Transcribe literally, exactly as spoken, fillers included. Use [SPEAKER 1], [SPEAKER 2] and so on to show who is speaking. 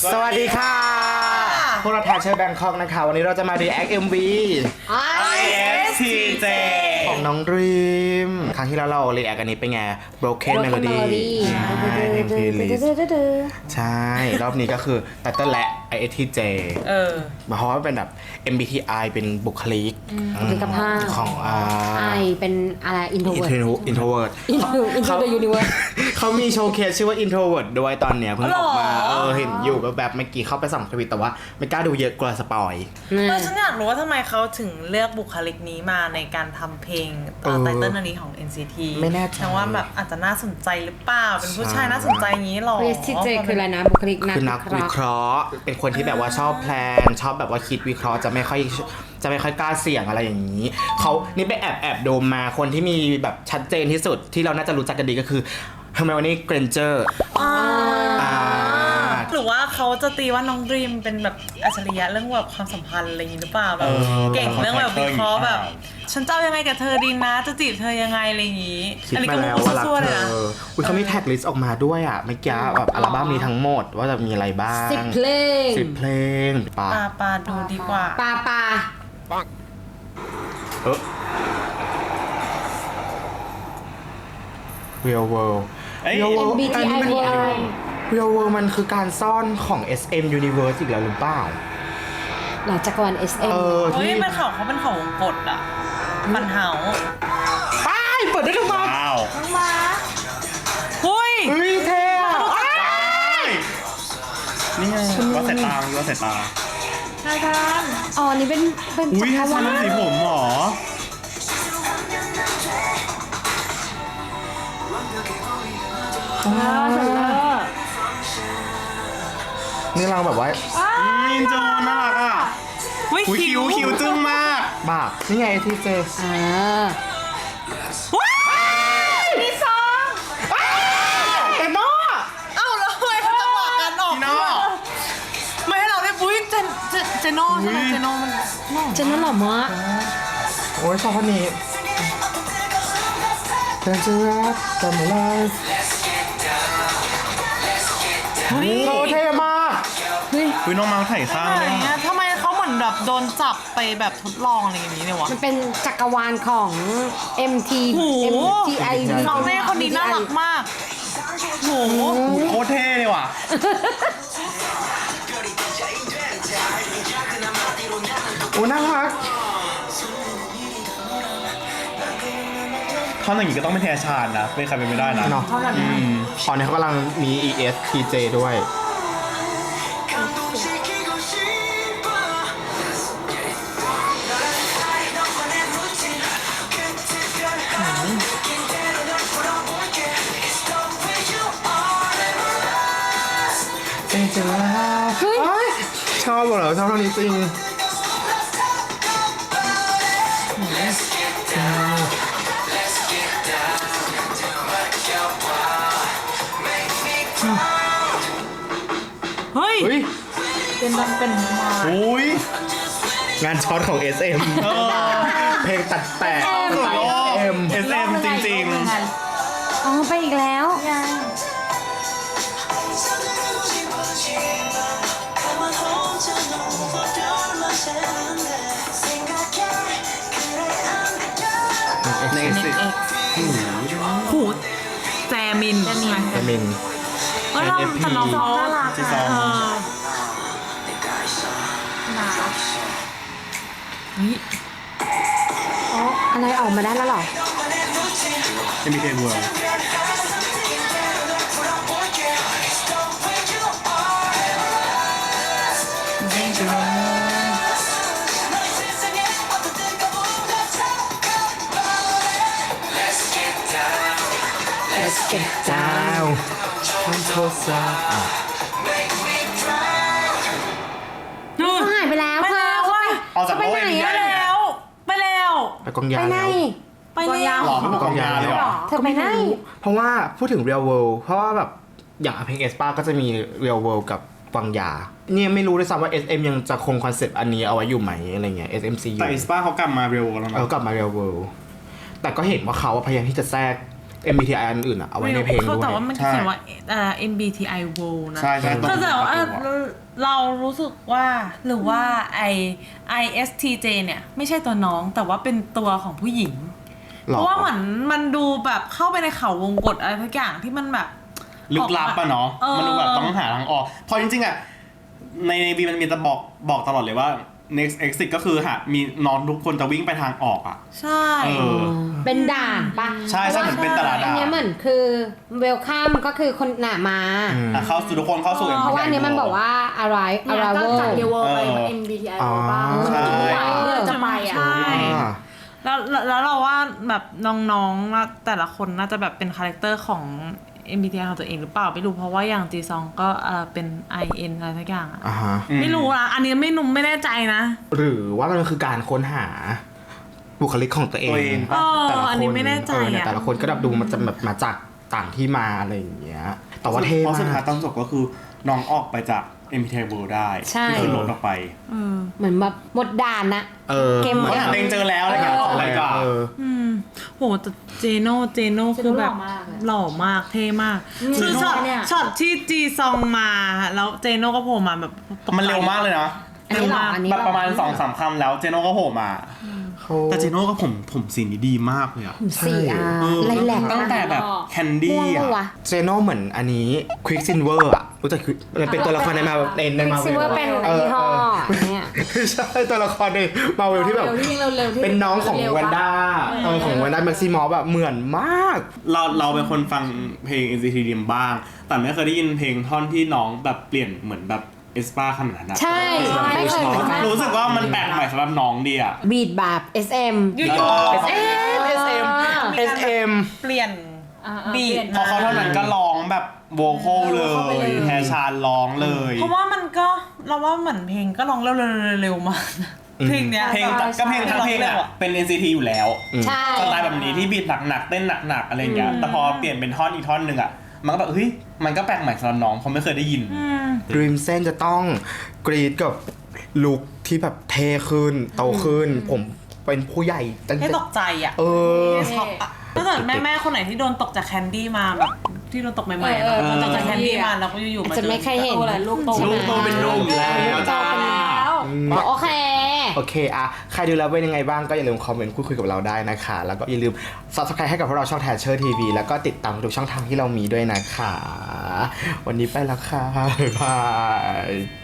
[SPEAKER 1] สวัสดีค่ะพวกเราแทชเชอร์แบงคอกนะคะวันนี้เราจะมา react เอ็ม วี
[SPEAKER 2] ไอ เอส ที เจ
[SPEAKER 1] ของน้องดรีมครั้งที่แล้วเรา react อันนี้เป็นไง broken melody ใช่เพลย์ลิสใช่รอบนี้ก็คือ title และ ไอ เอส ที เจ
[SPEAKER 2] เออ
[SPEAKER 1] เพราะว่าเป็นแบบ เอ็ม บี ที ไอ เป็นบุคลิก
[SPEAKER 3] บุคลิกภาพ
[SPEAKER 1] ของอ่า
[SPEAKER 3] ไอเป็นอะไร introvert
[SPEAKER 1] introvert
[SPEAKER 3] into into the universe
[SPEAKER 1] เขามีโชว์เคสชื่อว่า introvert ด้วยตอนเนี้ยเพิ่งออกมาเออเห็นอยู่แบบเมื่อกี้เข้าไปส่องทวิตแต่ว่าไม่กล้าดูเยอะกลัวสปอย
[SPEAKER 2] เออฉันอยากรู้ว่าทำไมเขาถึงเลือกบุคลิกนี้มาในการทำเพลงตอนไตเติ้ลอันนี้ของ เอ็น ซี ที
[SPEAKER 1] ไม่แน่ใจ
[SPEAKER 2] แต่ว่าแบบอาจจะน่าสนใจหรือเปล่า เป็นผู้ชายน่าสนใจอย่างนี้หรอ
[SPEAKER 3] ไอ เอส ที เจ คืออะไรนะบุคลิกนัก
[SPEAKER 1] คือนักวิเคราะห์เป็นคนที่แบบว่าชอบแพลนชอบแบบว่าคิดวิเคราะห์จะไม่ค่อยจะไม่ค่อยกล้าเสี่ยงอะไรอย่างนี้เขานี่ไปแอบแอบดูมาคนที่มีแบบชัดเจนที่สุดที่เราน่าจะรู้จักกันดีก็คือ Hermione Granger
[SPEAKER 2] อ่า
[SPEAKER 1] อ่า
[SPEAKER 2] หรือว่าเขาจะตีว่าน้องดรีมเป็นแบบอัจฉริยะเรื่องแบบความสัมพันธ์อะไรอย่างนี้หรือเปล่าแบบเก่งเรื่องแบบวิเคราะห์แบบ ฉันจะเอายังไงกับเธอดีนะจะจีบเธอยังไงอะไรอย่างนี้
[SPEAKER 1] คิด
[SPEAKER 2] อันนี้
[SPEAKER 1] มา
[SPEAKER 2] ก็
[SPEAKER 1] แล้ว
[SPEAKER 2] มุก
[SPEAKER 1] ว่ารัก
[SPEAKER 2] ซั่วๆ
[SPEAKER 1] เธ
[SPEAKER 2] เลยนะ
[SPEAKER 1] ออุ้ยเขามีแท็กลิสต์ออกมาด้วยอ่ะเมื่อกี้แบบอัลบั้มนี้ทั้งหมดว่าจะมีอะไรบ้าง
[SPEAKER 3] สิบเพลง
[SPEAKER 1] สิบเพลงปะ
[SPEAKER 2] ปาปาดูดีกว่า
[SPEAKER 3] ปาปา
[SPEAKER 1] เออ Real World
[SPEAKER 4] เอ้ย
[SPEAKER 1] Real
[SPEAKER 3] เอ็ม
[SPEAKER 1] World
[SPEAKER 3] บี ที ไอ
[SPEAKER 1] อันนี้มัน
[SPEAKER 3] ไอ
[SPEAKER 1] Real World มันคือการซ่อนของ เอส เอ็ม Universe อีกแล้วหรือเปล่า
[SPEAKER 3] หลังจากรวาล เอส เอ็ม
[SPEAKER 1] เออ
[SPEAKER 2] เฮ้ย
[SPEAKER 1] ที่
[SPEAKER 2] เป็นเขาเขาเป็นเขาวงกตอ่ะปันเฮา
[SPEAKER 1] ไปเปิดได้ทุกวัน
[SPEAKER 4] ว้าว
[SPEAKER 2] หุ้ย
[SPEAKER 1] เฮ้ยเท่อะ
[SPEAKER 4] นี่ไงว่าสายตาว่าสายตา
[SPEAKER 2] นายทาน
[SPEAKER 3] อ๋อ นี่เป็นเป็น
[SPEAKER 4] อุ้ย
[SPEAKER 3] จักร
[SPEAKER 4] ทำ
[SPEAKER 3] วาล
[SPEAKER 4] สีผมหรอ
[SPEAKER 1] นี่เราแบบว่า
[SPEAKER 4] มินโจน่ารักอ่ะ
[SPEAKER 2] หุ้ย
[SPEAKER 4] อุ้ย
[SPEAKER 2] คิ
[SPEAKER 4] คิ
[SPEAKER 2] ว
[SPEAKER 4] วคิวจึ้งมาก
[SPEAKER 1] บ้านี่ไงที่เจ
[SPEAKER 3] อ่า
[SPEAKER 2] ว้ายมีซอง
[SPEAKER 1] เอ็มม่า
[SPEAKER 2] เอ้าแล้วทำไมเขาจังหวะการออก
[SPEAKER 4] พี่น้อ
[SPEAKER 2] ไม่ให้เราได้ปุ้ยเจนเจนเจโน่ใช่ไหมเจโน่มันโน่
[SPEAKER 3] เจนนั่นหรอมะ
[SPEAKER 1] โอ้ยชอบคนนี้แต่จะรักแต่ไม่ไลฟ์
[SPEAKER 2] เฮ้ย
[SPEAKER 1] โอ้เท่มาก
[SPEAKER 3] เฮ้ย
[SPEAKER 4] อุ้ยน้องมาถ่ายข้าง
[SPEAKER 2] อะไร
[SPEAKER 4] ด้วย
[SPEAKER 2] เงี้ยทำไมเขาเหมือนแบบโดนจับไปแบบทดลองอะไรอย่างนี้เนี่ยวะ
[SPEAKER 3] มันเป็นจักรวาลของ เอ็ม ที
[SPEAKER 2] โอ้โห
[SPEAKER 3] เอ็ม ที ไอ
[SPEAKER 2] น้องเน่คนนี้น่ารักมากโห
[SPEAKER 4] อุ้ยโคตรเท่เลยว่ะ
[SPEAKER 1] โอ้น่ารัก
[SPEAKER 4] ท่อนอย่างนี้ก็ต้องเป็นแทชานนะไม่ใครเป็นไม่ได้นะ
[SPEAKER 1] เนาะ
[SPEAKER 4] อืม
[SPEAKER 1] ตอนนี้เขากำลังมี อี เอส ที เจ ด้วย เจนจะรัก
[SPEAKER 3] เฮ้ย
[SPEAKER 1] เอ้ยชอบเหรอชอบเท่านี้จริง
[SPEAKER 2] เฮ้ย
[SPEAKER 1] เฮ้ย
[SPEAKER 2] เป็นดันเป็นมา
[SPEAKER 4] อุ้ย
[SPEAKER 1] งานช็อตของ เอส เอ็ม
[SPEAKER 4] เออ
[SPEAKER 1] เพลงตัดแตะ
[SPEAKER 4] สุดโลก
[SPEAKER 1] เอ็ม
[SPEAKER 4] เอสเอ็มจริง
[SPEAKER 3] อ๋อ ไปอีกแล้ว
[SPEAKER 4] ๆ ในสิ
[SPEAKER 2] หูแจมิน
[SPEAKER 1] แอมิน
[SPEAKER 2] เออเราแต่น้องเขาน่ารัก
[SPEAKER 4] จีซอง
[SPEAKER 2] เออน่ารักเฮ้ย
[SPEAKER 3] อ๋อ อะไรออกมาได้แล้วเหรอ
[SPEAKER 4] จะมีเทเวิร์
[SPEAKER 3] Let's get
[SPEAKER 1] จ้า
[SPEAKER 3] down
[SPEAKER 1] วฉันโทษซะ
[SPEAKER 3] เขาหายไปแล้ว
[SPEAKER 2] ไป
[SPEAKER 3] เธอ
[SPEAKER 2] แล้ว
[SPEAKER 3] เขา
[SPEAKER 2] ว่ะ
[SPEAKER 4] ออกจาก
[SPEAKER 3] ไป
[SPEAKER 4] โลก
[SPEAKER 3] ไหน
[SPEAKER 4] เอ็ม
[SPEAKER 3] อะ
[SPEAKER 4] ดี
[SPEAKER 2] ไปแล้ว ไปแล้ว
[SPEAKER 1] ไปกองยา
[SPEAKER 3] ไปไหน
[SPEAKER 1] แล้ว
[SPEAKER 2] ไปแล้ว
[SPEAKER 4] หล่อไม่บอกกองยาเลยเหรอ
[SPEAKER 3] เธอไปไหน
[SPEAKER 1] เพราะว่าพูดถึง Real World เพราะว่าแบบอย่างเพลงเอสปาก็จะมี Real World กับกวางยาเนี่ยไม่รู้ด้วยซ้ำว่า เอส เอ็ม ยังจะคงคอนเซปต์อันนี้เอาไว้อยู่ไหมอะไรเงี้ย เอส เอ็ม ซี ยู
[SPEAKER 4] แต่อิสปาเขากลับมาเร็วแล้ว
[SPEAKER 1] เออ
[SPEAKER 4] นะ
[SPEAKER 1] กลับมา Real World แต่ก็เห็นว่าเขาพยายามที่จะแทรกเอ็ม บี ที ไอ อันอื่นอะเอาไว้ในเพลง
[SPEAKER 2] เขา
[SPEAKER 1] ด้ว
[SPEAKER 2] แต่
[SPEAKER 1] ย
[SPEAKER 2] ว่ามันเขียนว่าเอ่อ เอ็ม บี ที ไอ World นะ
[SPEAKER 4] ใช่ใช่ตรง
[SPEAKER 2] ก็แต่ว่า
[SPEAKER 4] ประตูอะ
[SPEAKER 2] เรารู้สึกว่าหรือว่าไอ ไอ เอส ที เจ เนี่ยไม่ใช่ตัวน้องแต่ว่าเป็นตัวของผู้หญิง
[SPEAKER 1] หรอ
[SPEAKER 2] เพราะว่าเหมือนมันดูแบบเข้าไปในเขาวงกตอะไรทุกอย่างที่มันแบบ
[SPEAKER 4] ลึกลับอะเนาะ
[SPEAKER 2] เออ
[SPEAKER 4] มันดูแบบต้องหาทางออกเพราะจริงๆอะในในบีมันมีแต่บอกบอกตลอดเลยว่า next exit ก็คือหามีน้องทุกคนจะวิ่งไปทางออกอะ
[SPEAKER 2] ใช่
[SPEAKER 4] เออ
[SPEAKER 3] เป็นด่านปะ
[SPEAKER 4] ใช่ใช่เหมือนเป็นตลาด
[SPEAKER 3] อัน
[SPEAKER 4] ด่า
[SPEAKER 3] เนี้ยเหมือนคือเวลคัมก็คือคนหนามา
[SPEAKER 1] อืม
[SPEAKER 4] อ่ะเข้าสู่ทุกคนเข้าสู่
[SPEAKER 3] เพราะว่าอันเนี้ยมันบอกว่าอะไร
[SPEAKER 5] เนี่ย
[SPEAKER 3] อะไร
[SPEAKER 5] ก็
[SPEAKER 3] เว
[SPEAKER 5] จากเด
[SPEAKER 3] ล
[SPEAKER 5] วไป
[SPEAKER 4] เออ
[SPEAKER 5] เอ็ม บี ที ไอ บ้าง
[SPEAKER 4] ใช่
[SPEAKER 5] เพื่อจะไปอ่ะ
[SPEAKER 2] ใช่
[SPEAKER 1] อ่า
[SPEAKER 2] แล้วแล้วแล้วเราว่าแบบน้องๆน่าแต่ละคนน่าจะแบบเป็นคาแรคเตอร์ของ เอ็ม บี ที ไอ ของตัวเองหรือเปล่าไม่รู้เพราะว่าอย่างจีซองก็เออเป็น ไอ เอ็น อะไรสักอย่างอะ
[SPEAKER 1] อ่าฮะ
[SPEAKER 2] ไม่รู้นะอันนี้ไม่นุ่มไม่แน่ใจนะ
[SPEAKER 1] หรือว่ามันคือการค้นหาบุคลิกของตัวเอง
[SPEAKER 4] ตัวเอง
[SPEAKER 2] เออ
[SPEAKER 1] แต่ละ
[SPEAKER 2] อัน
[SPEAKER 1] ค
[SPEAKER 2] นี้
[SPEAKER 1] น
[SPEAKER 2] ไม่แน่ใจ
[SPEAKER 1] เออเนี่ย
[SPEAKER 2] อะ
[SPEAKER 1] แต่ละคนก็แบบดูมันจะแบบมาจากต่างที่มาอะไรอย่างเงี้ยแต่ว่าเท่
[SPEAKER 4] เพราะสุดท้าม
[SPEAKER 1] าย ก
[SPEAKER 4] ตอนจบก็คือน้องออกไปจาก เอ็ม พี ที ไอ World ได้
[SPEAKER 3] ใช่
[SPEAKER 4] ที่ขึ้นรถออกไป
[SPEAKER 2] เออ
[SPEAKER 3] เหมือนแบบหมดด่านนะ
[SPEAKER 1] เออ
[SPEAKER 3] เกม
[SPEAKER 4] เขาหาตัวเองเจอแล้วอะไรเงี้ยออกไปก่อน
[SPEAKER 1] เออ
[SPEAKER 2] อืมโหแต่เจโน่เจโน่คือแบบ
[SPEAKER 5] หล่อมากเลย
[SPEAKER 2] หล่อมากเท่มากคือช็อต
[SPEAKER 5] เนี่ย
[SPEAKER 2] ช็อตที่จีซองมาแล้วเจโน่ก็โผล่มาแบบตกใจ
[SPEAKER 4] มันเร็วมากเลยนะ
[SPEAKER 3] อันนี้หรออันนี้
[SPEAKER 4] แบ
[SPEAKER 3] ห
[SPEAKER 4] บ
[SPEAKER 3] อ
[SPEAKER 4] ประมาณสองสามคำแล้วเจโน่ก็โผล่มา
[SPEAKER 1] เขา
[SPEAKER 4] แต่เจโน่ก็ผมผมสีนี้ดีมากเลยอะ
[SPEAKER 3] สี่อ่ะ
[SPEAKER 4] เออ
[SPEAKER 3] ไรแหลก
[SPEAKER 4] ตั้งแต่แบบแคนดี้
[SPEAKER 3] ม่วง
[SPEAKER 4] อะ
[SPEAKER 3] ปะวะ
[SPEAKER 1] เจโน่เหมือนอันนี้ควิกซินเวอร์อะรู้จัก Quick- มันเป็นตัวละครในมาในในมา
[SPEAKER 3] ซิเวอร์เป็นยี่ห้อเนี่ย
[SPEAKER 1] ไม่ใช่ตัวละครในมาเวลที่แบบ
[SPEAKER 5] เร็วที่วิ่งเร็วๆที่
[SPEAKER 1] เป็นน้องของ
[SPEAKER 5] เร็วๆ
[SPEAKER 1] วันด้า
[SPEAKER 5] ปะ
[SPEAKER 1] เออของวันด้าแม็กซิมอฟแบบเหมือนมาก
[SPEAKER 4] เราเราเป็นคนฟังเพลง เอ็น ซี ที ดี บ้าง แต่ไม่เคยได้ยินเพลงท่อนที่น้องแบบเปลี่ยนเหมือนแบบเอสปาขนาดนั้นอะ
[SPEAKER 3] ใช่ไม่เคยเหมือนกัน
[SPEAKER 4] รู้สึกว่ามันแปลกใหม่สำหรับน้องดีอะ
[SPEAKER 3] บีดแบบ เอส เอ็ม
[SPEAKER 2] อยู่
[SPEAKER 4] เออ
[SPEAKER 1] เอส เอ็ม เอส เอ็ม
[SPEAKER 2] ๆเปลี่ยน
[SPEAKER 5] อ่าๆ
[SPEAKER 2] บีท
[SPEAKER 5] เปลี่ยน
[SPEAKER 4] พอเขาเท่านั้นก็ร้องแบบโวคอลเล
[SPEAKER 5] เข้าไปเลย ย
[SPEAKER 4] แทชานร้องเลย
[SPEAKER 2] เพราะว่ามันก็เราว่าเหมือนเพลงก็ร้องเร็วๆเร็วๆมากนะเพลงเนี้ย
[SPEAKER 4] เพลงก็เพลงทั้งเพลงอะเป็น เอ็น ซี ที อยู่แล้ว
[SPEAKER 3] ใช่
[SPEAKER 4] สไตล์แบบนี้ที่บีทหนักๆเต้นหนักๆอะไรอย่างเงี้ยแต่พอเปลี่ยนเป็นท่อนอีกท่อนหนึ่งอะมันก็แบบเฮ้ยมันก็แปลกใหม่สำหรับน้องเพราะไม่เคยได้ยิน
[SPEAKER 2] อืม
[SPEAKER 1] ดรีมเซนจะต้องกรีดกับลุคที่แบบเท่ขึ้นโตขึ้น ผมเป็นผู้ใหญ่ตั้ง
[SPEAKER 2] ให้
[SPEAKER 1] แต่
[SPEAKER 2] ตกใจอ่ะ
[SPEAKER 1] เออ
[SPEAKER 2] ช็อกอะถ้าเกิดแม่แม่ๆคนไหนที่โดนตกจากแคนดี้มาแบบที่โดนตกใหม่ๆอะ
[SPEAKER 5] เออเออ
[SPEAKER 2] โดนตกจากแคนดี้มาแล้วก็อยู่ๆมา
[SPEAKER 3] จะไม่เคยเห็น
[SPEAKER 5] โตแล้วลูกโต
[SPEAKER 4] ลูกโตเป็นหนุ่มแล้วจ้า
[SPEAKER 3] โอเค
[SPEAKER 1] โอเคอะใครดูแล้วเป็นยังไงบ้างก็อย่าลืมคอมเมนต์พูดคุยกับเราได้นะคะ แล้วก็อย่าลืม Subscribe ให้กับพวกเราช่อง Thatcher ที วี แล้วก็ติดตามทุกช่องทางที่เรามีด้วยนะคะ วันนี้ไปแล้วค่ะ บ๊ายบาย